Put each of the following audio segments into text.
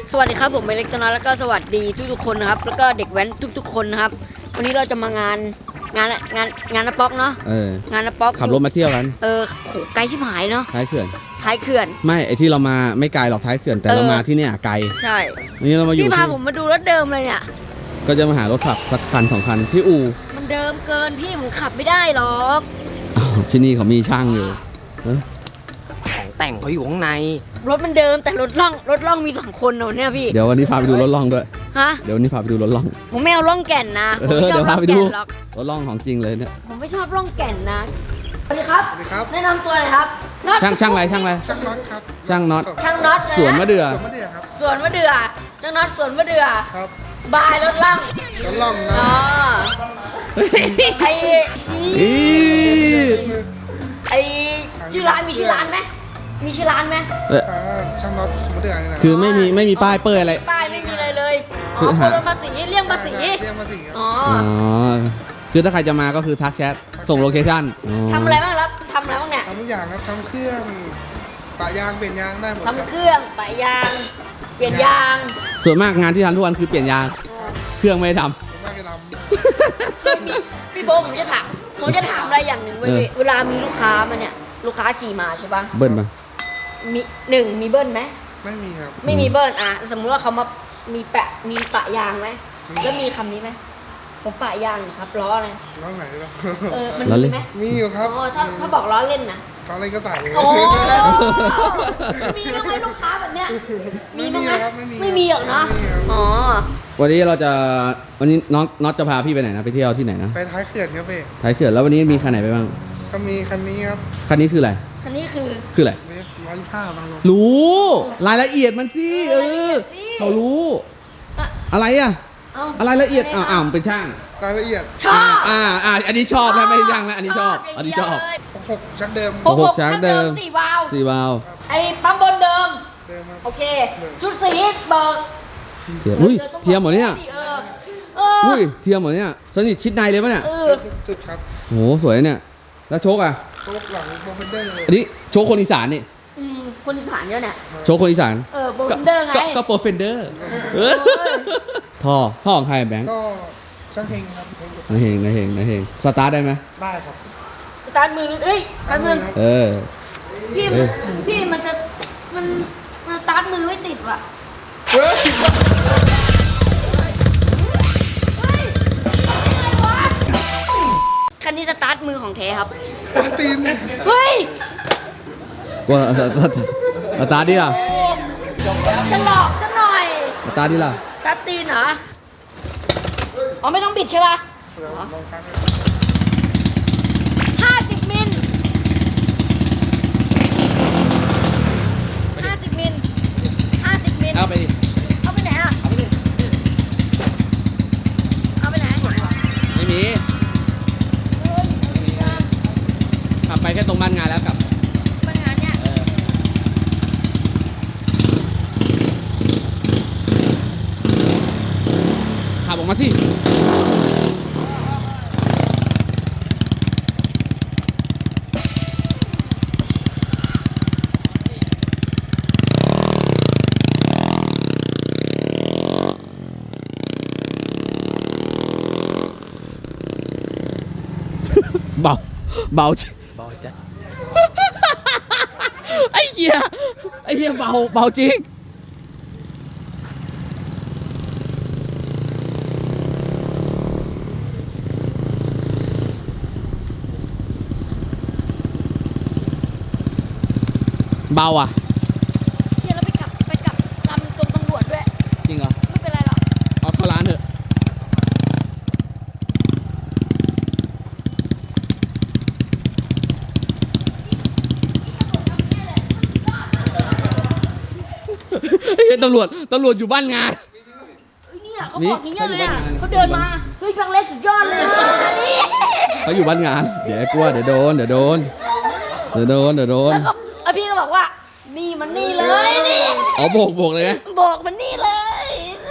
สวัสดีครับผมเล็กตัวน้อยแล้วก็สวัสดีทุกๆคนนะครับแล้วก็เด็กแว้นทุกๆคนนะครับวันนี้เราจะมางานน้าป๊อกเนาะงานน้าป๊อกขับรถมาเที่ยวกันโหไกลชิบหายเนาะท้ายเขื่อนไม่ไอที่เรามาไม่ไกลหรอกท้ายเขื่อนแต่เรามาที่เนี่ยไกลใช่นี่เรามาอยู่พี่พาผมมาดูรถเดิมเลยเนี่ยก็จะมาหารถขับสักคัน2 คันที่อู่มันเดิมเกินพี่ผมขับไม่ได้หรอกที่นี่เขามีช่างอยู่ของแต่งเขาอยู่ข้างในรถมันเดิมแต่รถล่องมี2 คนเนี่ยพี่เดี๋ยววันนี้พาไปดูรถล่องด้วยฮะเดี๋ยววันนี้พาไปดูรถล่องผมไม่เอาล่องแก่นนะเดี๋ยวพาไปดูรถล่องของจริงเลยเนี่ยผมไม่ชอบล่องแก่นนะสวัสดีครับแนะนำตัวเลยครับช่างอะไรช่างน็อตครับช่างน็อตสวนมะเดื่อครับสวนมะเดื่อช่างน็อตสวนมะเดื่อครับบายรถล่องนะไอชื่อร้านมีชื่อร้านไหมมีชื่อร้านไหมช่างน็อตมะเดื่อคือไม่มีป้ายเปิดอะไรป้ายไม่มีอะไรเลยโอนภาษีเลี่ยงภาษีอ๋อคือถ้าใครจะมาก็คือทักแชทส่งโลเคชั่นทำอะไรบ้างครับทำอะไรบ้างเนี่ยทำทุกอย่างครับทำเครื่องปะยางเปลี่ยนยางได้หมดทำเครื่องปะยางเปลี่ยนยางส่วนมากงานที่ทำทุกวันคือเปลี่ยนยางเครื่องไม่ได้ทำพี่โบผมจะถามอะไรอย่างหนึ่งเวลามีลูกค้ามาเนี่ยลูกค้าขี่มาใช่ปะเบิ้ลปะมีเบิ้ลไหมไม่มีครับไม่มีเบิ้ลสมมติว่าเขามามีปะยางไหมแล้วมีคำนี้ไหมผมปะยางครับล้ออะไรล้อไหนล่ะมันมีไหมมีอยู่ครับถ้าบอกล้อเล่นนะล้อเล่นก็ใส่โอ้มีบ้างไหมลูกค้าแบบเนี้ยมีบ้างไหมไม่มีหรอกเนาะอ๋อวันนี้น็อตจะพาพี่ไปไหนนะไปเที่ยวที่ไหนนะไปท้ายเขื่อนครับพี่ท้ายเขื่อนแล้ววันนี้มีคันไหนไปบ้างก็มีคันนี้ครับคันนี้คืออะไรคันนี้คืออะไร 125บางรู้รายละเอียดมันสิเขารู้อะไรอะอะไรละเอียดเป็นช่างรายละเอียดชอบอันนี้ชอบนะไม่ใช่ช่างนะอันนี้ชอบ 6ชักเดิม 6ชักเดิม 4 วาล์วไอ้ปั๊มบนเดิมโอเคชุดสีเบิกอุ้ยเทียมหมดเนี่ยอุ้ยเทียมหมดเนี่ยสนิทชิดในเลยป่ะเนี่ยจุดครับโหสวยเนี่ยแล้วโชคอะโชคหลังโปรเฟนเดอร์อันนี้โชคคนอีสานนี่คนอีสานเนี่ยโชคคนอีสานโปรเฟนเดอร์ไงก็โปรเฟนเดอร์ท่อของใครแบงค์ก็ช่างเฮงครับนาเฮงสตาร์ทได้ไหมได้ครับสตาร์ทมือสตาร์ทมือพี่มันสตาร์ทมือไม่ติดว่ะคันนี้สตาร์ทมือของแท้ครับตีนเฮ้ยว่าสตาร์ทดิล่ะจะหลอกซะหน่อยสตาร์ทดิล่ะสตาร์ทตีนเหรออ๋อไม่ต้องบิดใช่ป่ะ50 มิลเอาไปดิเอาไปไหนอ่ะเอาไปไหนไม่มีขับไปแค่ตรงบ้านงานแล้วกลับบ้านงานเนี่ยขับออกมาสิเบาจ้ะไอ้เหี้ยเบาจริงเบาอ่ะเนี่ยเราไปกลับลำตรงตำรวจด้วยจริงเหรอไม่เป็นไรหรอกเอาเข้าร้านเถอะตำรวจอยู่บ้านงานเนี่ยเขาบอกอย่างเงี้ยเลยอ่ะเขาเดินมาเฮ้ยบางเล็กสุดยอดเลยเขาอยู่บ้านงานเดี๋ยวกลัวเดี๋ยวโดนแล้วก็พี่ก็บอกว่านี่มันนี่เลยนี่โบกเลยไงโบกมันนี่เลย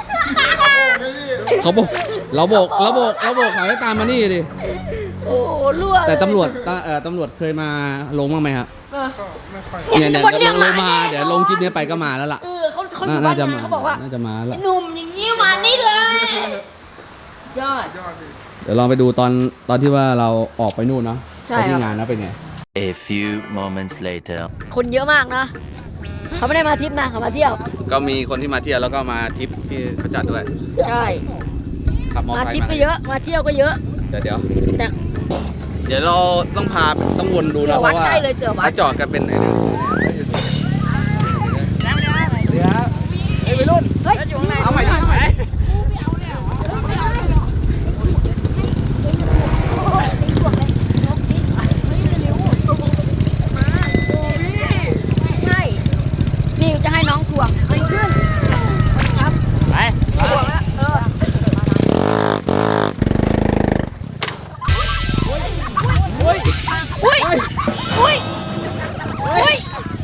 เขาบอกเราโบกเขาให้ตามมานี่ดิโอ้รั่วแต่ตำรวจเคยมาลงบ้างไหมครับก็ไม่ค่อยเนี่ยลงมาเดี๋ยวลงคลิปนี้ไปก็มาแล้วล่ะเขาเขาอยู่บ้านงานเขาบอกว่าน่าจะมาละหนุ่มอย่างนี้มานี่เลยยอดยอดดิเดี๋ยวลองไปดูตอนที่ว่าเราออกไปนู่นเนาะใช่ไปคที่รับงานนะเป็นไง A few moments later. คนเยอะมากนะเขาไม่ได้มาทริปนะเขามาเที่ยวก็มีคนที่มาเที่ยวแล้วก็มาทริปที่เขาจัดด้วยใช่ขับมอเตอมาร์ไซทริปค์ก็เยอะมาเที่ยวก็เยอะเดี๋ยวแต่เดี๋ยวเราต้องวนดูเสืนะอเพวัดราะว่าใช่เลยเสือวัดถ้าจอดกันเป็นไหนเนี่ยเดี๋ยวเฮ้ยไปรุ่นเฮ้ยเอาใหม่เอาใหม่ใช่นี่จะให้น้องถ่วงไปขึ้นครับไปถ่วงแล้วอุ้ยอุ้ยอุ้ย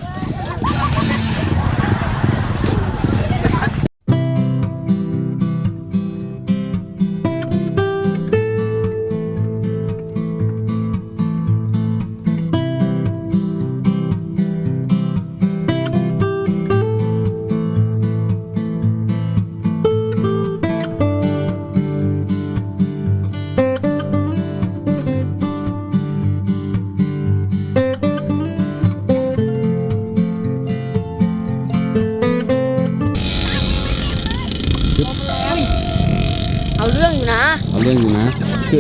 เอาเรื่องอยู่นะเอาเรื่องอยู่นะคือ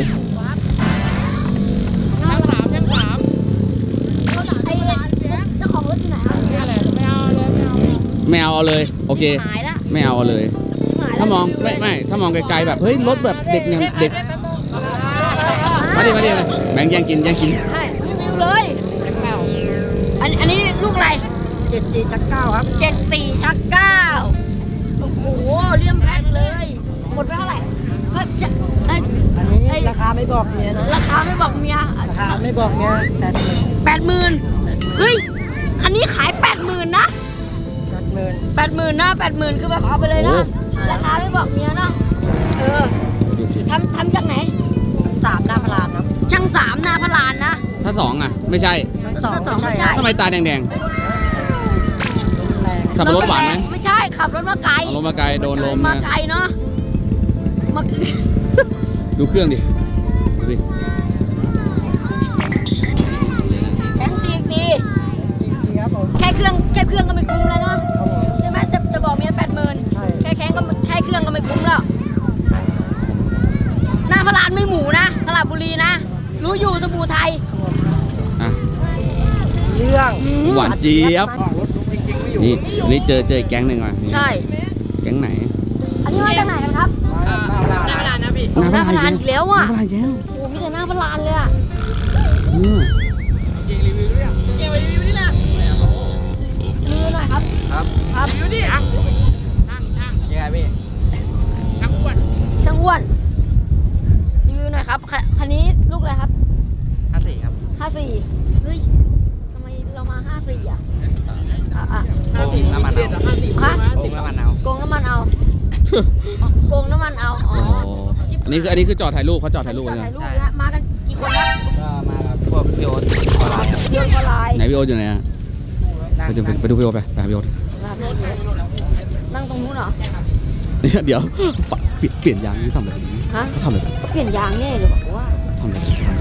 ไอ้เจ้าของรถอยู่ไหนครับไม่เอาเลยโอเคหายละไม่เอาเลย ถ้ามองไม่ถ้ามองไกลๆแบบเฮ้ยรถแบบเด็กอย่างเด็กมาดิแบงค์แย่งกินใช่รีวิวเลยอันนี้ลูกอะไร 74ชัก9ครับ 74ชัก9โอ้โหเลี่ยมแพงเลยหมดไปเท่าไหร่เฮ้ยจะเอ้ยอันนี้ราคาไม่บอกเมียนะราคาไม่บอกเมียราคาไม่บอกเมียแต่ 80,000เฮ้ยคันนี้ขาย 80,000นะจัดเมิน 80,000นะ80,000คือแบบเอาไปเลยนะราคาไม่บอกเมียนะเออทำจากไหน 3หน้าพลานครับช่าง3นาพลานนะถ้าสองอ่ะไม่ใช่ชั้นชั้นสอง 2 ไม่ไม่ใช่ใช่ทำไมตาแดงแรงๆขับรถหวานไหมไม่ใช่ขับรถมาไกลเอารถมาไกลโดนลมมานะไกลเนาะมาดูเครื่องดิดูดิแอนซีซีครับผมแค่เครื่องก็ไม่คุ้มแล้วเนาะครับผมใช่ไหมจะบอกเมีย80,000 ใช่แค่เครื่องก็ไม่คุ้มแล้วหน้าพลานไม่หมูนะสระบุรีนะ รู้อยู่สบู่ไทยอ่ะเรื่องหวานเจี๊ยบนี่เจออีกแก๊งหนึ่งว่ะนี่ใช่แก๊งไหนอันนี้มาจากไหนกันครับหน้าพลานนะพี่หน้าพลานอีกแล้วอ่ะหน้าพลานแก๊งโอ้มีแต่หน้าพลานเลยอ่ะเนี่ยรีวิวหน่อยครับครับรีวิวดิอ่ะยังไงพี่ช่างอ้วนรีวิวหน่อยครับคันนี้ลูกอะไรครับ 54ครับ 54เฮ้ยทำไมเรามา54อ่ะอ่ะ 54น้ำมันเอาฮะโอ้น้ำมันเอาโกงน้ำมันเอาโกงน้ำมันเอาอ๋อโอ้อันนี้คือจอดถ่ายรูปเขาจอดถ่ายรูปจอกันดใช่ถ่ายไหมรูปนะมากันกี่คนครับก็มากับพวกพี่โอ๊ตออนไลน์ครับเดินออนไลน์ไหนพี่โอ๊ตอยู่ไหนอ่ะไปดูพี่โอ๊ตไปหาพี่โอ๊ตนั่งตรงนู้นเหรอเดี๋ยวเปลี่ยนยางนี่ทำอะไรฮะเขาทำอะไรเปลี่ยนยางแน่เลยบอกว่าทำอะไร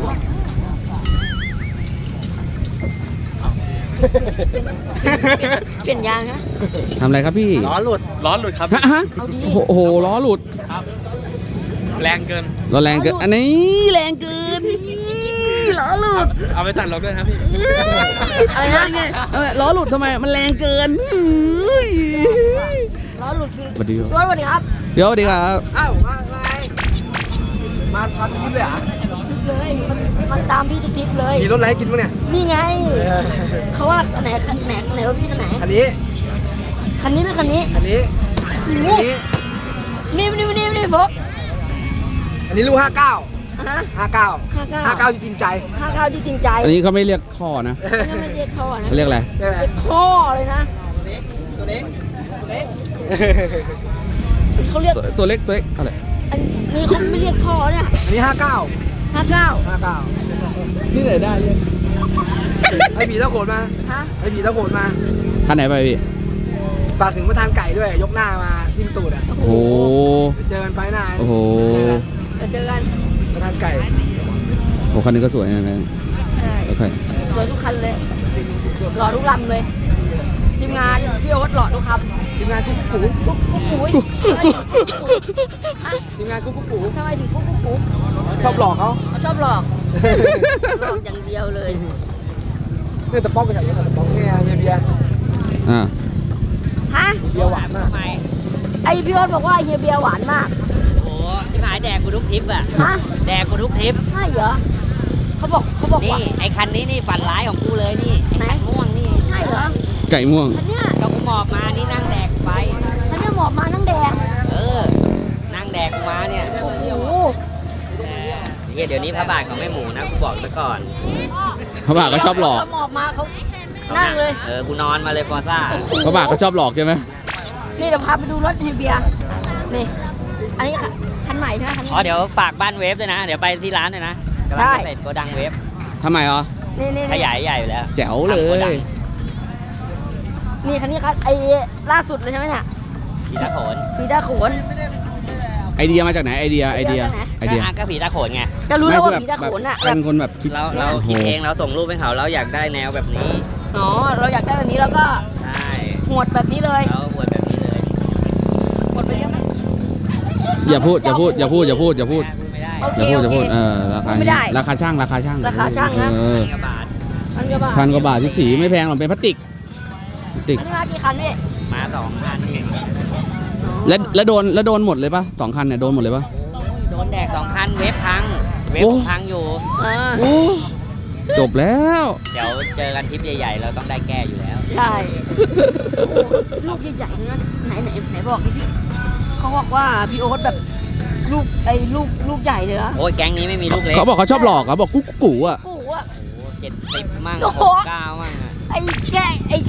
เปลี่ยนยางนะทำอะไรครับพี่ล้อหลุดครับฮะเอาดีโอ้โหล้อหลุดแรงเกินล้อแรงเกินอันนี้แรงเกินล้อหลุดเอาไปตัดลบด้วยนะพี่อะไรนะล้อหลุดทำไมมันแรงเกินล้อหลุดคือสวัสดีครับสวัสดีครับเดี๋ยวสวัสดีครับอ้าวมาไงมาทุกทริปเลยเหรอเลยมันตามพี่ทุกทริปเลยมีรถอะไรให้กินบ้างเนี่ยนี่ไงเขาว่าไหนรถพี่คันไหนอันนี้คันนี้หรือคันนี้อันนี้โอ้โหอันนี้นี่โฟกอันนี้ลูก59 ฮะ 59 59จริงใจ 59ที่จริงใจอันนี้เขาไม่เรียกข้อนะนี่ไม่เรียกท่อนะเขาเรียกอะไรเรียกอะไรเรียกท่อเลยนะตัวเล็กเขาเรียกตัวเล็กอะไรอันนี้เขาไม่เรียกท่อเนี่ยอันนี้ 59 59 ที่ไหนได้เนี่ยให้ผีตะโขนมาฮะให้ผีตะโขนมาคันไหนไปพี่ฝากถึงประธานไก่ด้วยยกหน้ามาทิมตูดอ่ะโอ้โหเจอกันไฟหน้าโอ้โหเจอกันประธานไก่โอ้คันนี้ก็สวยนะใช่โอเคสวยทุกคันเลยหล่อทุกลำเลยทีมงานพี่โอ๊ตหล่อทุกคำทีมงานกุ๊กกุ๊กกุ๊กกุ๊กปุ๋ยฮะทีมงานกุ๊กกุ๊กกุ๊กทำไมถึงกุ๊กกุ๊กกุ๊กชอบหลอกเขาเขาชอบหลอกหลอกอย่างเดียวเลยเนี่ยตะป๊อกไปไหนเนี่ยตะป๊อกเนี่ยเฮียเบียร์อ่าฮะเบียร์หวานมากไอพี่โอ๊ตบอกว่าเฮียเบียร์หวานมากโอ้ที่หายแดกกูทุกทริปอะฮะแดกกูทุกทริปใช่เหรอเขาบอกว่านี่ไอ้คันนี้นี่ฝันร้ายของกูเลยนี่ไอ้ไหนคันม่วงนี่ใช่เหรอไก่ม่วงคันเนี้ยก็กูหมอบมานี่นั่งแดกไปคันเนี้ยหมอบมานั่งแดงเออ นั่งแดกกูมาเนี่ยโอ้โหเฮียเดี๋ยวนี้พระบาทเขาไม่หมูนะกูบอกซะก่อนพระบาทก็ชอบหลอกเขาหมอบมาเขานั่งเลยเออกูนอนมาเลยฟอซ่าพระบาทก็ชอบหลอกใช่ไหมนี่เดี๋ยวพาไปดูรถเฮียเบียร์นี่อันนี้คันใหม่ใช่ไหมคันนี้อ๋อเดี๋ยวฝากบ้านเวฟด้วยนะ เดี๋ยวไปที่ร้านด้วยนะกำลังได้จะเสร็จโกดังเวฟทำไมอ๋อนี่ขยายใหญ่อยู่แล้วแจ๋วเลทำโกดังยนี่คันนี้คันไอ้ล่าสุดเลยใช่ไหมเนี่ยผีตาโขนมีด้าโขนไอเดียมาจากไหนไอเดีย ไอเดียก็ผีตาโขนไงจะรู้แล้วว่าไม่มีด้าโขนอ่ะเป็นคนแบบคิดเราคิดเองเราส่งรูปให้เขาเราอยากได้แนวแบบนี้อ๋อเราอยากได้แบบนี้แล้วก็ใช่หวดแบบนี้เลยเราหวดแบบนี้เลยหวดไปเยอะไหมอย่าพูดอย่าพูดอย่าพูดอย่าพูดอย่าพูดไม่ได้โอเคอย่าพูดอย่าพูดโอเคราคาไม่ได้ราคาช่างราคาช่างราคาช่างนะเออกระบาดพันกว่าบาทพันกว่าบาทที่สีไม่แพงหรอกเป็นพลาสติกพลาสติกอันนี้มากี่คันพี่มา2 คันเองแล้วโดนหมดเลยปะสองคันเนี่ยโดนหมดเลยปะโดนแดก2 คันเว็บพัง เว็บโอ้พังอยู่อ่าโอ้จบแล้วเดี๋ยวเจอกันทริปใหญ่ๆ เราต้องได้แก้อยู่แล้วใช่โอ้โหลูกใหญ่ๆทั้งนั้นไหนบอกดิพี่เขาบอกว่าพี่โอ๊ตแบบลูกใหญ่เลยนะโอ้ยแก๊งนี้ไม่มีลูกเล็กเขาบอกเขาชอบหลอกเขาบอกกุ๊กกูอ่ะกูอ่ะโอ้70 มั่งโอ้โห 69 มั่งอะไอ้แค่ไอ้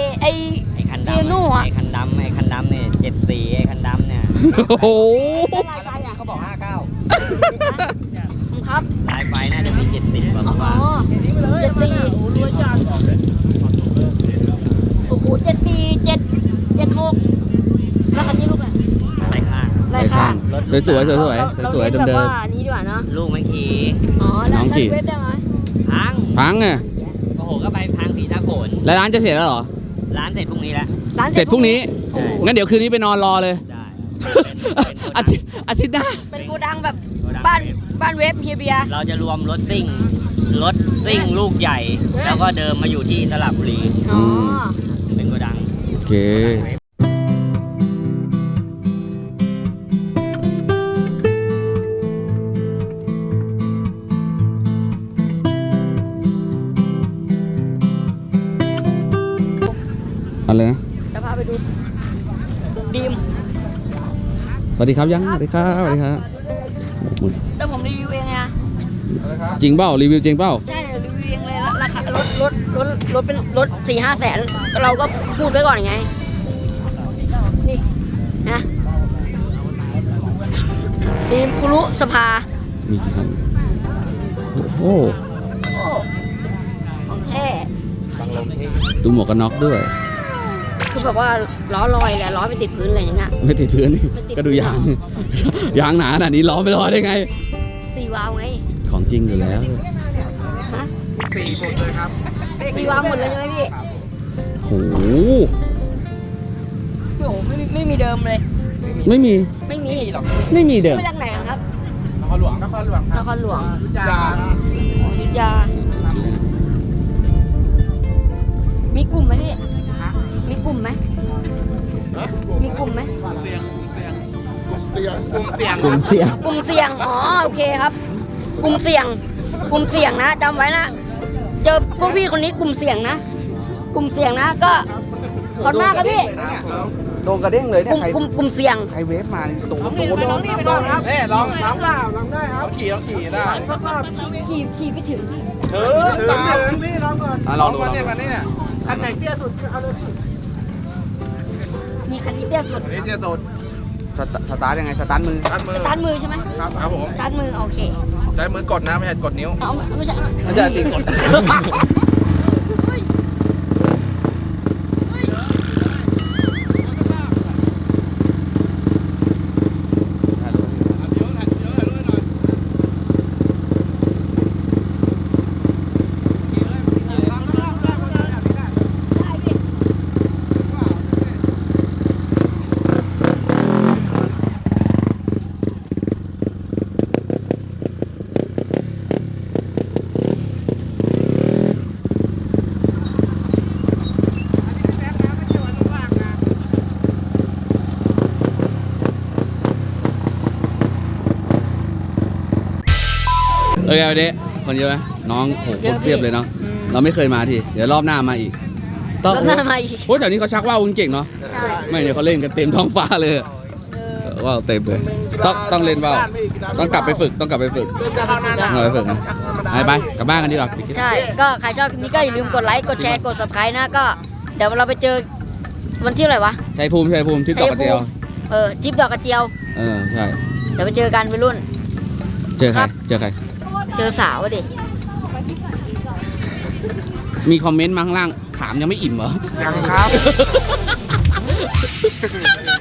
ไอ้คันเจดำนู่อะไอ้คันดำเนี่ย74ไอ้คันดำเนี่ยโอ้โหลายไฟอ่ะเขาบอกครับ 59ลายไฟน่าจะมี70กว่าอ๋ว่าอ74โอ้โห74 76แล้วคันนี้ลูกอะไรลายข้างลายข้างรถสวยๆสวยเราๆสวยๆเน้นเดิแบบมว่านี้ดีกว่าเนาะลูกมันขี่อ๋อแล้วน้องกี่เว็บได้ไหมพังๆพังอ่ะโอ้โหก็ไปพังผีตาโขนแล้วร้านจะเสร็จแล้วเหรอร้านเสร็จพรุ่งนี้แล้วร้านเสร็จพรุ่งนี้ใช่งั้นเดี๋ยวคืนนี้ไปนอนรอเลยได้อาทิตย์หน้าเป็นโกดังแบบบ้านเว็บเฮียเบียร์เราจะรวมรถซิ่งลูกใหญ่ แล้วก็เดิมมาอยู่ที่สระบุรีอ๋อเป็นโกดังโอเค อะไรนะจะพาไปดูดีมสวัสดีครับยังสวัสดีครับสวัสดีครับแล้วผมรีวิวเองไงนะจริงเปล่ารีวิวจริงเปล่าใช่รีวิวเองเลยแล้วราคารถเป็นรถ4-5 แสนเราก็พูดไว้ก่อนไงนี่นะดีมคุรุสภามีกี่คันโอ้โหโอ้ของแท้ดูหมวกกันน็อกด้วยคือแบบว่าล้อลอยแหละล้อไปติดพื้นอะไรอย่างเงี้ยไม่ติดพื้นนี่ไม่ติดก็ดูยาง ยางหนาขนาดนี้ล้อไม่ลอยได้ไง 4 วาล์วไงของจริงอยู่แล้วฮะ 4หมดเลยครับ 4 วาล์วหมดเลยใช่ไหมพี่โหโอ้โหไม่มีเดิมเลยไม่มีไม่มีไม่มีเดิมมาจากไหนครับนครหลวงครับนครหลวงอยุธยาอยุธยา มีกลุ่มไหมพี่ มีกลุ่มไหม มีกลุ่มไหมกลุ่มเสี่ยงกลุ่มเสี่ยงกลุ่มเสี่ยง อ๋อ โอเคครับ กลุ่มเสี่ยง กลุ่มเสี่ยงนะจำไว้นะ เจอพวกพี่คนนี้กลุ่มเสี่ยงนะ กลุ่มเสี่ยงนะ ก็ขอบหน้าครับพี่โดนกระเด้งเลยกลุ่มกลุ่มเสี่ยงใครเวฟมาโดนลองครับลองได้ครับขี่ได้ขี่ไปถึงพี่ตามนี่ลองก่อนลองดูคันนี้คันไหนเตี้ยสุดเอาเลยมีคันนี้เตี้ยสุดนี่เตี้ยสุดสตาร์ทยังไงสตาร์ทมือตัดมือสตาร์ทมือใช่ไหมครับผมสตาร์ทมือ โอเคใช้มือกดนะไม่ใช่กดนิ้วเอาไม่ใช่ไม่ใช่ตีกดเไงวันนี้คนเยอะไหมน้องโหโคตรเพียบเลยเนาะเราไม่เคยมาทีเดี๋ยวรอบหน้ามาอีกรอบหน้ามาอีกโอ้แถวนี้เขาชักว่าวเก่งเนาะใช่ไม่เนี่ยเขาเล่นกันเต็มท้องฟ้าเลยว่าวเต็มเลยต้องเล่นว่าวต้องกลับไปฝึกต้องกลับไปฝึกเริ่มจะเข้าหน้าหนาวต้องกลับไปฝึกนะไปกลับบ้านกันดีกว่าใช่ ก็ใครชอบคลิปนี้ก็อย่าลืมกดไลค์ กดแชร์ กด subscribe นะ ก็เดี๋ยวเราไปเจอวันที่อะไรวะชัยภูมิที่เกาะกระเจียวทริปดอกกระเจียวใช่เดี๋ยวไปเจอกันไปรุ่นเจอใครเจอสาวอะดิมีคอมเมนต์มาข้างล่างถามยังไม่อิ่มเหรอยังครับ